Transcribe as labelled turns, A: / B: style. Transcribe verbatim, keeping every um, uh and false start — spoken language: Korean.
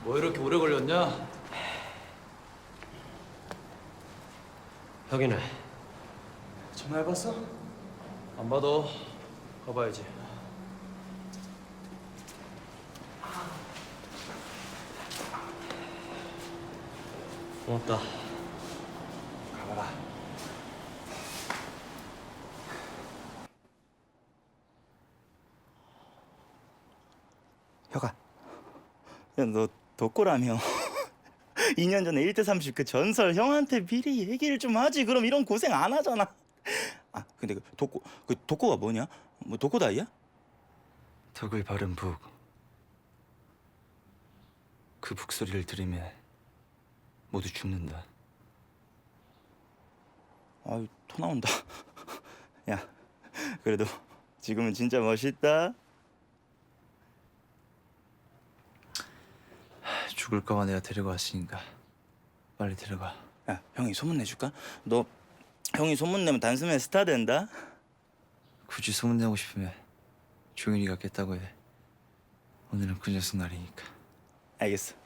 A: 뭐 이렇게 오래 걸렸냐?
B: 혁이네.
C: 전화해봤어?
A: 안 받아. 가봐야지.
B: 고맙다.
C: 가봐라. 혁아, 야 너 덕고라며? 이 년 전에 일 대 삼십 그 전설 형한테 미리 얘기를 좀 하지. 그럼 이런 고생 안 하잖아. 아 근데 그 덕고 그 덕고가 뭐냐? 뭐 덕고다이야?
D: 덕을 바른 북. 그 북소리를 들으면 모두 죽는다.
C: 아유 토 나온다. 야 그래도 지금은 진짜 멋있다.
D: 죽을까봐 내가 데리고 왔으니까 빨리 데려가.
C: 야 형이 소문 내줄까? 너 형이 소문 내면 단숨에 스타 된다.
D: 굳이 소문내고 싶으면 종윤이가 깼다고 해. 오늘은 그 녀석 날이니까.
C: 알겠어.